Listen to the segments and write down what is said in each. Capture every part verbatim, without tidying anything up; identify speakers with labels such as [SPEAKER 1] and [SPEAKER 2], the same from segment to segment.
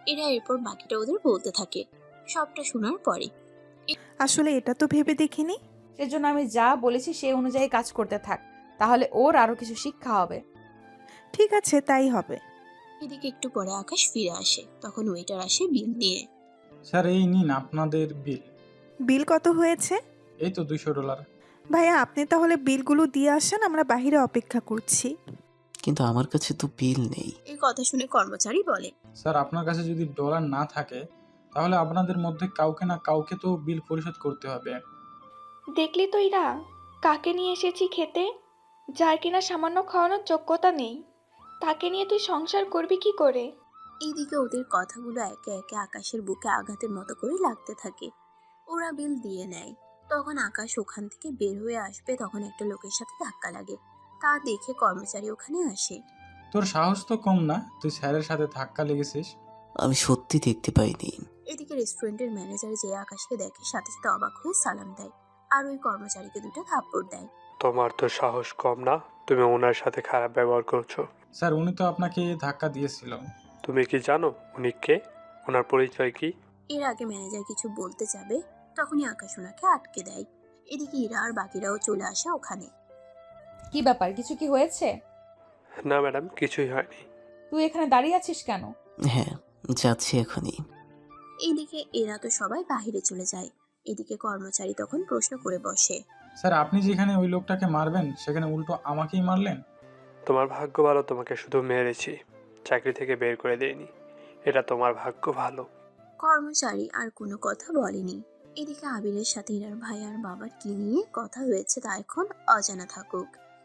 [SPEAKER 1] এরা এরপর বাকিটা ওদের বলতে থাকে। সবটা শোনার পরে
[SPEAKER 2] আসলে এটা তো ভেবে দেখিনি।
[SPEAKER 3] সেজন্য আমি যা বলেছি সেই অনুযায়ী কাজ করতে থাক, তাহলে ওর আরো কিছু শিক্ষা হবে।
[SPEAKER 2] ঠিক আছে, তাই হবে।
[SPEAKER 1] এদিকে একটু পরে আকাশ ফিরে আসে, তখন ওয়েটার আসে বিল নিয়ে।
[SPEAKER 4] স্যার এই নিন আপনাদের বিল।
[SPEAKER 2] বিল কত হয়েছে?
[SPEAKER 4] এই তো দুইশো ডলার।
[SPEAKER 2] ভাইয়া আপনি তাহলে বিলগুলো দিয়ে আসেন, আমরা বাইরে অপেক্ষা করছি।
[SPEAKER 5] কিন্তু আমার কাছে তো বিল নেই।
[SPEAKER 1] এই কথা শুনে কর্মচারী বলে,
[SPEAKER 4] স্যার আপনার কাছে যদি ডলার না থাকে তাহলে আপনাদের মধ্যে কাউকে না কাউকে তো বিল পরিশোধ করতে হবে।
[SPEAKER 6] দেখলি তো ইরা, কাকে নিয়ে এসেছি খেতে, যার কিনা সামান্য খাওয়ানোর যোগ্যতা নেই, তাকে নিয়ে তুই সংসার করবি কি করে?
[SPEAKER 1] এইদিকে ওদের কথাগুলো একে একে আকাশের বুকে আঘাতের মতো করে লাগতে থাকে। ওরা বিল দিয়ে নেয়। তখন আকাশ ওখান থেকে বের হয়ে আসবে, তখন একটা লোকের সাথে ধাক্কা লাগে। তা দেখে কর্মচারী ওখানে আসে।
[SPEAKER 4] তোর সাহস তো কম না, তুই স্যারের সাথে ধাক্কা লেগেছিস।
[SPEAKER 5] আমি সত্যি দেখতে পাইনি।
[SPEAKER 1] এদিকে রেস্টুরেন্টের ম্যানেজার যে আকাশকে দেখে সাথে সাথে অবাক হয়ে সালাম দেয়, আর ওই কর্মচারীকে দুটো থাপ্পড় দেয়।
[SPEAKER 7] তোমার তো সাহস কম না, তুমি ওনার সাথে খারাপ ব্যবহার করছো।
[SPEAKER 4] স্যার উনি তো আপনাকে ধাক্কা দিয়েছিল।
[SPEAKER 7] তুমি কি জানো উনি কে, ওনার পরিচয় কি?
[SPEAKER 1] এর আগে ম্যানেজার কিছু বলতে যাবে, তখনই আকাশ ওনাকে আটকে দেয়। এদিকে ইরা আর বাকিরাও চলে আসে ওখানে।
[SPEAKER 3] কি ব্যাপার, কিছু কি হয়েছে?
[SPEAKER 7] না ম্যাডাম, কিছুই হয়নি।
[SPEAKER 3] তুই এখানে দাঁড়িয়ে আছিস কেন?
[SPEAKER 5] হ্যাঁ, যাচ্ছি এখনই।
[SPEAKER 1] এইদিকে এরা তো সবাই বাহিরে চলে যায়। এদিকে কর্মচারী তখন প্রশ্ন করে বসে,
[SPEAKER 4] স্যার আপনি যেখানে ওই লোকটাকে মারবেন সেখানে উল্টো আমাকেই মারলেন।
[SPEAKER 7] তোমার ভাগ্য ভালো, তোমাকে শুধু মেরেছি, চাকরি থেকে বের করে দেয়নি। এটা তোমার ভাগ্য ভালো।
[SPEAKER 1] কর্মচারী আর কোনো কথা বলেনি। এদিকে আবিরের সাথে ইরার ভাই আর বাবার কি নিয়ে কথা হয়েছে তা এখন অজানা থাকুক।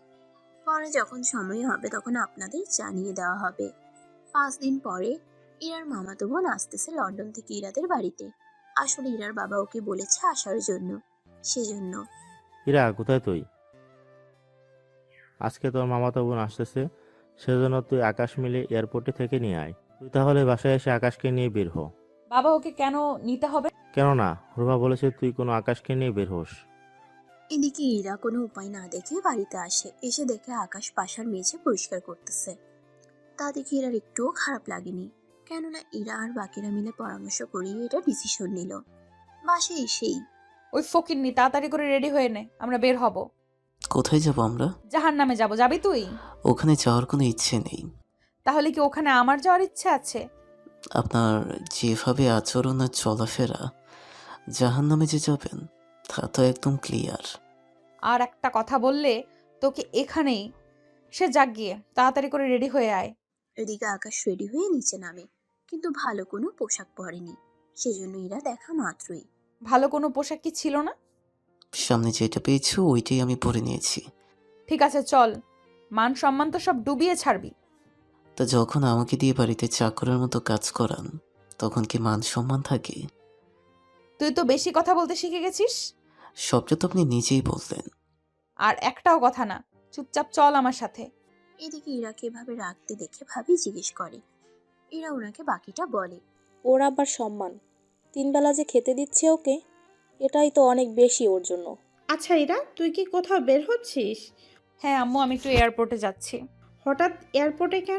[SPEAKER 1] পরে যখন সময় হবে তখন আপনাদের জানিয়ে দেওয়া হবে। পাঁচ দিন পরে ইরার মামাতো বোন আসতেছে লন্ডন থেকে ইরাদের বাড়িতে। আসলে ইরার বাবা ওকে বলেছে আসার জন্য, সেজন্য।
[SPEAKER 8] ইরা, কোথায় তুই? আজকে তোর মামাতো বোন আসতেছে, সেজন্য তুই আকাশ মিলে এয়ারপোর্টে থেকে নিয়ে আয়। তুই তাহলে বাসায় এসে আকাশকে নিয়ে বের হ।
[SPEAKER 3] বাবা ওকে কেন নিতে হবে?
[SPEAKER 8] কেন না, রুমা বলেছে তুই কোনো আকাশকে নিয়ে বের হোস।
[SPEAKER 1] এদিকে ইরা কোনো উপায় না দেখে বাড়িতে আসে। এসে দেখে আকাশ পাশার মেঝে পরিষ্কার করতেছে। তা দেখে ইরার একটুও খারাপ লাগেনি, কেননা ইরা আর বাকিরা মিলে পরামর্শ করিয়ে এটা ডিসিশন নিল। বাসে এসেই
[SPEAKER 3] ওই ফকিন্নি তাড়াতাড়ি করে রেডি হয়ে নে, আমরা বের হব।
[SPEAKER 5] কোথায় যাব আমরা?
[SPEAKER 3] জাহান নামে যাবো, যাবি তুই?
[SPEAKER 5] ওখানে যাওয়ার কোনো ইচ্ছে নেই।
[SPEAKER 3] তাহলে কি ওখানে আমার যাওয়ার ইচ্ছে আছে?
[SPEAKER 5] আপনার যেভাবে আচরণ আর চলাফেরা, জাহান নামে যে যাবেন তা তো একদম ক্লিয়ার।
[SPEAKER 3] আর একটা কথা বললে তোকে এখানেই। সে যাক গিয়ে, তাড়াতাড়ি করে রেডি হয়ে আয়।
[SPEAKER 1] এদিকে আকাশ রেডি হয়ে নিচে নামে, কিন্তু ভালো কোনো পোশাক পরেনি। সেজন্য ইরা দেখা মাত্রই,
[SPEAKER 3] ভালো কোনো পোশাক কি ছিল না?
[SPEAKER 5] সামনে যেটা পেয়েছো ওইটাই আমি পরে নিয়েছি।
[SPEAKER 3] ঠিক আছে চল, মান সম্মান তো সব ডুবিয়ে ছাড়বি।
[SPEAKER 5] তা যখন আমাকে দিয়ে বাড়িতে চাকরের মতো কাজ করান তখন কি মান সম্মান থাকে?
[SPEAKER 3] তুই তো বেশি কথা বলতে শিখে গেছিস।
[SPEAKER 5] সবটা তো আপনি নিজেই বললেন।
[SPEAKER 3] আর একটাও কথা না, চুপচাপ চল আমার সাথে।
[SPEAKER 1] এদিকে ইরাকে এভাবে রাখতে দেখে ভাবি জিজ্ঞেস করে। ইরা ওনাকে বাকিটা বলে।
[SPEAKER 9] ওর আবার সম্মান, তিনবেলা যে খেতে দিচ্ছে ওকে, এটাই তো অনেক বেশি ওর জন্য।
[SPEAKER 10] আচ্ছা ইরা, তুই কি কোথাও বের হচ্ছিস?
[SPEAKER 3] হ্যাঁ আম্মু, আমি একটু এয়ারপোর্টে যাচ্ছি।
[SPEAKER 10] হঠাৎ এয়ারপোর্টে কেন?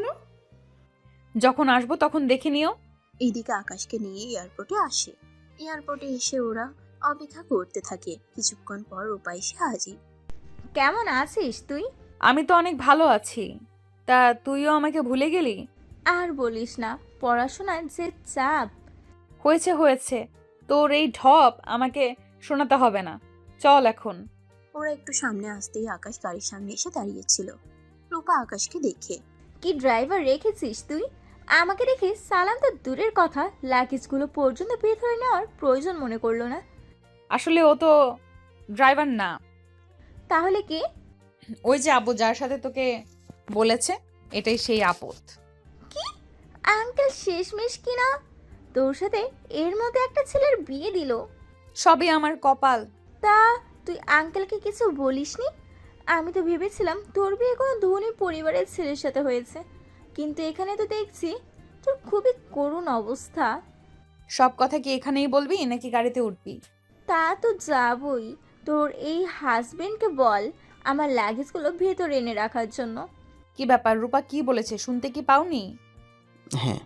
[SPEAKER 3] যখন আসবো তখন দেখে নিও।
[SPEAKER 1] এইদিকে আকাশকে নিয়ে এয়ারপোর্টে আসে। এয়ারপোর্টে এসে ওরা অপেক্ষা করতে থাকে। কিছুক্ষণ পর রূপা এসে হাজির।
[SPEAKER 6] কেমন আছিস তুই?
[SPEAKER 3] আমি তো অনেক ভালো আছি, তা তুইও আমাকে ভুলে গেলি?
[SPEAKER 6] আর বলিস না, পড়াশোনায় যে চাপ।
[SPEAKER 3] হয়েছে হয়েছে, তোর এই ঢপ আমাকে শোনাতে হবে না, চল এখন।
[SPEAKER 1] ওরা একটু সামনে আসতেই আকাশ গাড়ির সামনে এসে দাঁড়িয়েছিল। রূপা আকাশকে দেখে,
[SPEAKER 6] কি ড্রাইভার রেখেছিস তুই? আমাকে দেখে সালাম তো দূরের কথা, লাগেজগুলো পর্যন্ত ভেতরে নেওয়ার প্রয়োজন মনে করলো না।
[SPEAKER 3] আসলে ও তো ড্রাইভার না।
[SPEAKER 6] তাহলে কে?
[SPEAKER 3] ওই যে আব্বু যার সাথে তোকে বলেছে, এটাই সেই আপদ।
[SPEAKER 6] কি আঙ্কেল শেষমেশ কিনা তোর সাথে এর মধ্যে একটা ছেলের বিয়ে দিল?
[SPEAKER 3] সবই আমার কপাল।
[SPEAKER 6] তা তুই আঙ্কেলকে কিছু বলিসনি? আমি তো ভেবেছিলাম তোর বিয়ে কোনো ধনী পরিবারের ছেলের সাথে হয়েছে, কিন্তু এখানে তো দেখছি তোর খুবই করুণ অবস্থা।
[SPEAKER 3] সব কথা কি এখানেই বলবি নাকি গাড়িতে উঠবি?
[SPEAKER 6] তা তো যাবই, তোর এই হাজবেন্ডকে বল আমার লাগেজগুলো ভেতরে এনে রাখার জন্য।
[SPEAKER 3] কি ব্যাপার, রূপা কি বলেছে শুনতে কি পাওনি?
[SPEAKER 5] হ্যাঁ,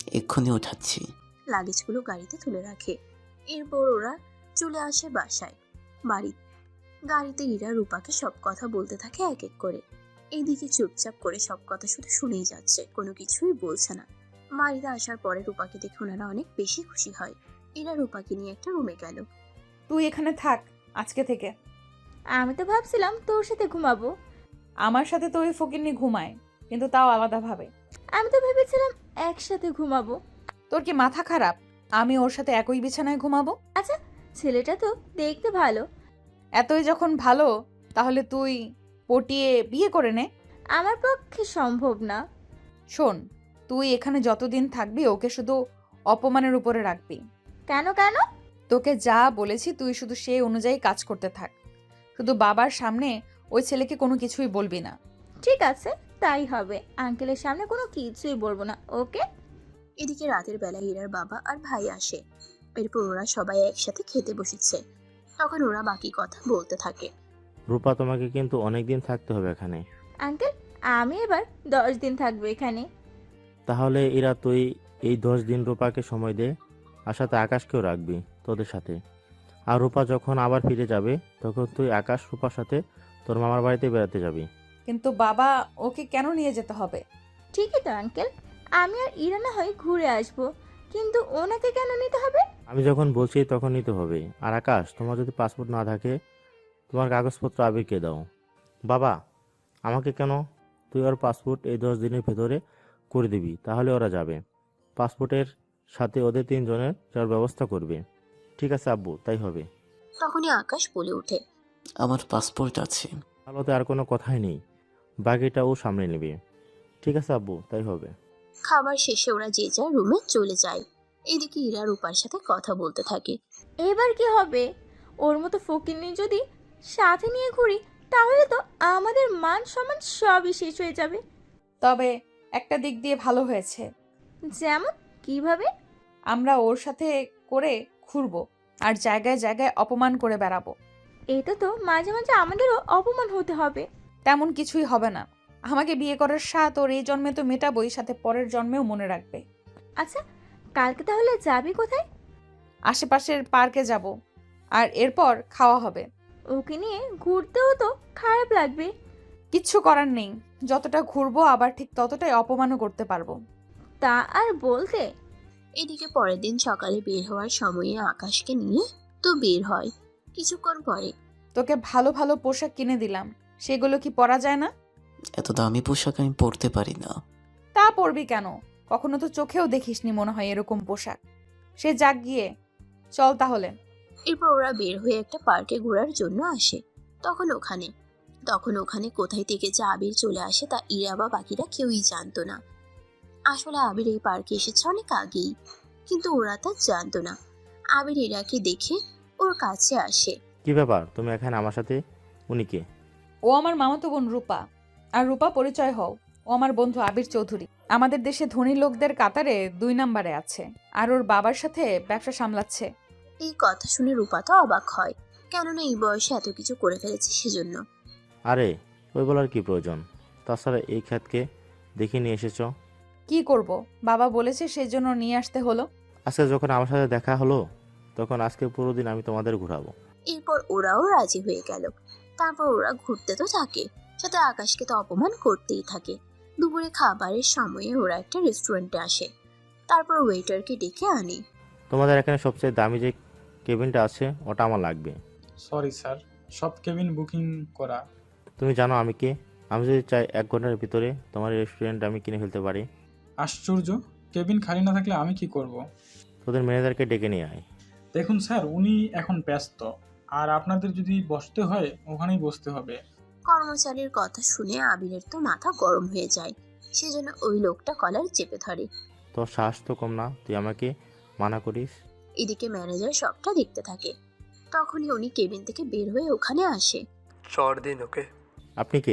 [SPEAKER 5] এক্ষুনি উঠাচ্ছি।
[SPEAKER 1] লাগেজগুলো গাড়িতে তুলে রাখে। এরপর ওরা চলে আসে বাসায়। বাড়ি গাড়িতে ইরা রূপাকে সব কথা বলতে থাকে এক এক করে। এইদিকে চুপচাপ করে সব কথা শুধু শুনেই যাচ্ছে, কোনো কিছুই বলছে না। বাড়িতে আসার পরে রূপাকে দেখে ওনারা অনেক বেশি খুশি হয়। এরা রূপাকে নিয়ে একটা রুমে গেল।
[SPEAKER 3] তুই এখানে থাক আজকে থেকে।
[SPEAKER 6] আমি তো ভাবছিলাম তোর সাথে ঘুমাবো।
[SPEAKER 3] আমার সাথে তো ওই ফকিন্নি ঘুমায়, কিন্তু তাও আলাদাভাবে।
[SPEAKER 6] আমি তো ভেবেছিলাম একসাথে ঘুমাবো।
[SPEAKER 3] তোর কি মাথা খারাপ? আমি ওর সাথে একই বিছানায় ঘুমাবো?
[SPEAKER 6] আচ্ছা, ছেলেটা তো দেখতে ভালো।
[SPEAKER 3] এতই যখন ভালো, তাহলে তুই পটিয়ে বিয়ে করে নে।
[SPEAKER 6] আমার পক্ষে সম্ভব না।
[SPEAKER 3] শোন, তুই এখানে যতদিন থাকবি ওকে শুধু অপমানের উপরে রাখবি।
[SPEAKER 6] কেন কেন?
[SPEAKER 3] তোকে যা বলেছি তুই শুধু সেই অনুযায়ী কাজ করতে থাক। শুধু বাবার সামনে ওই ছেলেকে কোনো কিছুই বলবি না।
[SPEAKER 6] ঠিক আছে, তাই হবে। আঙ্কেলের সামনে কোনো কিছুই বলবো না, ওকে?
[SPEAKER 1] এদিকে রাতের বেলা ইরার বাবা আর ভাই আসে। এরপর ওরা সবাই একসাথে খেতে বসেছে। তখন ওরা বাকি কথা বলতে থাকে।
[SPEAKER 8] রূপা, তোমাকে কিন্তু অনেক দিন থাকতে হবে এখানে।
[SPEAKER 6] আঙ্কেল, আমি এবার দশ দিন থাকবো এখানে।
[SPEAKER 8] তাহলে এরা তুই এই দশ দিন রূপাকে সময় দে, আর সাথে আকাশকেও রাখবি তোদের সাথে। আর রূপা যখন আবার ফিরে যাবে তখন তুই আকাশ রূপার সাথে তোর মামার বাড়িতে বেড়াতে যাবি।
[SPEAKER 3] কিন্তু বাবা ওকে কেন নিয়ে যেতে হবে?
[SPEAKER 6] ঠিকই তো আঙ্কেল, আমি আর ইরা না হয় ঘুরে আসবো, কিন্তু ওনাকে কেন নিতে হবে?
[SPEAKER 8] আমি যখন বলছি তখন নিতে হবে। আর আকাশ, তোমার যদি পাসপোর্ট না থাকে তোমার কাগজপত্র আবিরকে দাও। বাবা, আমাকে কেন? তুই ওর পাসপোর্ট এই দশ দিনের ভেতরে করে দিবি, তাহলে ওরা যাবে। পাসপোর্টের সাথে ওদের তিনজনের যাওয়ার ব্যবস্থা করবে। ঠিক আছে আব্বু, তাই হবে।
[SPEAKER 1] তখনই আকাশ বলে ওঠে,
[SPEAKER 5] আমার পাসপোর্ট আছে।
[SPEAKER 8] তাহলে আর কোনো কথাই নেই, বাকিটা ও সামনে নেবে। ঠিক আছে আব্বু, তাই হবে।
[SPEAKER 1] খাবার শেষে ওরা যে যার রুমে চলে যায়। এদিকে ইরা রূপার সাথে কথা বলতে থাকে।
[SPEAKER 6] এবার কি হবে? ওর মতো ফকিন্নি যদি সাথে নিয়ে ঘুরি, তাহলে তো আমাদের মান সম্মান সবই শেষ হয়ে যাবে।
[SPEAKER 3] তবে একটা দিক দিয়ে ভালো হয়েছে,
[SPEAKER 6] যেমন কিভাবে?
[SPEAKER 3] আমরা ওর সাথে করে ঘুরবো আর জায়গায় জায়গায় অপমান করে বেড়াবো।
[SPEAKER 6] এটা তো মাঝে মাঝে আমাদেরও অপমান হতে হবে।
[SPEAKER 3] তেমন কিছুই হবে না। আমাকে বিয়ে করার স্বাদ ওর এই জন্মে তো মেটাবই, সাথে পরের জন্মেও মনে রাখবে।
[SPEAKER 6] আচ্ছা, কালকে তাহলে যাবি কোথায়?
[SPEAKER 3] আশেপাশের পার্কে যাব, আর এরপর খাওয়া হবে।
[SPEAKER 6] ওকে নিয়ে ঘুরতেও তো খারাপ লাগবে।
[SPEAKER 3] কিচ্ছু করার নেই, যতটা ঘুরবো আবার ঠিক ততটাই অপমানও করতে পারবো।
[SPEAKER 6] তা আর বলতে।
[SPEAKER 1] এদিকে পরের দিন সকালে বের হওয়ার সময়ে আকাশকে নিয়ে তো বের হয়। কিছুক্ষণ পরে,
[SPEAKER 3] তোকে ভালো ভালো পোশাক কিনে দিলাম, সেগুলো কি পরা যায় না?
[SPEAKER 5] এত দামি পোশাক আমি পরতে পারি না।
[SPEAKER 3] তা পরবি কেন? কখনো তো চোখেও দেখিসনি মনে হয় এরকম পোশাক। সে যাক গিয়ে, চল তাহলে।
[SPEAKER 1] এরপর ওরা বের হয়ে একটা পার্কে ঘোরার জন্য আসে। তখন ওখানে তখন ওখানে কোথায় থেকে যে আবির চলে আসে তা ইরা বা বাকিরা কেউই জানতো না। আসলে আবির এই পার্কে এসেছে অনেক আগেই, কিন্তু ওরা তা জানতো না। আবির ইরাকে দেখে ওর কাছে আসে।
[SPEAKER 8] কি ব্যাপার, তুমি এখানে আমার সাথে? উনি কে?
[SPEAKER 3] ও আমার মামাতো বোন রূপা। আর রূপা, পরিচয় হও, ও আমার বন্ধু আবির চৌধুরী। আমাদের দেশে ধনী লোকদের কাতারে দুই নম্বরে আছে, আর ওর বাবার সাথে ব্যবসা সামলাচ্ছে।
[SPEAKER 1] এই কথা শুনে রূপা তো অবাক হয়, কেননা এই বয়সে এত কিছু করে ফেলেছে সেজন্য।
[SPEAKER 8] আরে ওই বলার কি প্রয়োজন? তাছাড়া এই খ্যাতকে দেখে নিয়ে এসেছ।
[SPEAKER 3] কি করব, বাবা বলেছে সেই জন্য নিয়ে আসতে হলো।
[SPEAKER 8] আজকে যখন আমার সাথে দেখা হলো তখন আজকে পুরো দিন আমি তোমাদের ঘোরাবো।
[SPEAKER 1] এরপর ওরাও রাজি হয়ে গেল। তারপর ওরা ঘুরতে তো থাকে, সাথে আকাশকে তো অপমান করতেই থাকে। দুপুরে খাবারের সময়ে ওরা একটা রেস্টুরেন্টে আসে। তারপর ওয়েটারকে ডেকে আনে।
[SPEAKER 8] তোমাদের এখানে সবচেয়ে দামি যে কেবিনটা আছে ওটা আমার লাগবে।
[SPEAKER 4] সরি স্যার, সব কেবিন বুকিং করা।
[SPEAKER 8] তুমি জানো আমি কে? আমি যদি চাই এক ঘন্টার ভিতরে তোমার রেস্টুরেন্ট আমি কিনে ফেলতে পারি।
[SPEAKER 4] আশ্চর্য, কেবিন খালি না থাকলে আমি কি করব?
[SPEAKER 8] তোদের ম্যানেজারকে ডেকে নিয়ে আয়।
[SPEAKER 4] দেখুন স্যার, উনি এখন ব্যস্ত, আর আপনাদের যদি বসতে হয় ওখানেই বসতে হবে।
[SPEAKER 1] কর্মচারীর কথা শুনে আবিরের তো মাথা গরম হয়ে যায়। সেজন্য ওই লোকটা কলার চেপে ধরে।
[SPEAKER 8] তোর সাহস তো কম না, তুই আমাকে মানা করিস।
[SPEAKER 1] এদিকে ম্যানেজার সবটা দেখতে থাকে। তখনই উনি কেবিন থেকে বের হয়ে ওখানে আসে।
[SPEAKER 7] চর দিন ওকে।
[SPEAKER 8] আপনি কে?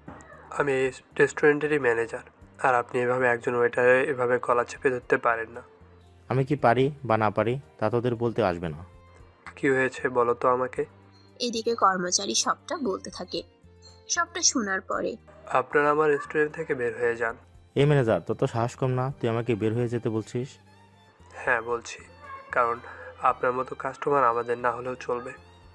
[SPEAKER 7] আমি এই রেস্টুরেন্টেরই ম্যানেজার, আর আপনি এভাবে একজন ওয়েটারে এভাবে গলা চেপে ধরতে পারেন না।
[SPEAKER 8] আমি কি পারি বা না পারি তা তোদের বলতে আসবে না।
[SPEAKER 7] কি হয়েছে বলো তো আমাকে।
[SPEAKER 1] এদিকে কর্মচারী সবটা বলতে থাকে। সবটা শোনার পরে,
[SPEAKER 7] আপনারা আমার রেস্টুরেন্ট থেকে বের হয়ে যান।
[SPEAKER 8] এই ম্যানেজার, তোর তো সাহস কম না, তুই আমাকে বের হয়ে যেতে বলছিস?
[SPEAKER 7] হ্যাঁ বলছি, কারণ আপনার মতো কাস্টমার আমাদের না হলেও চলবে।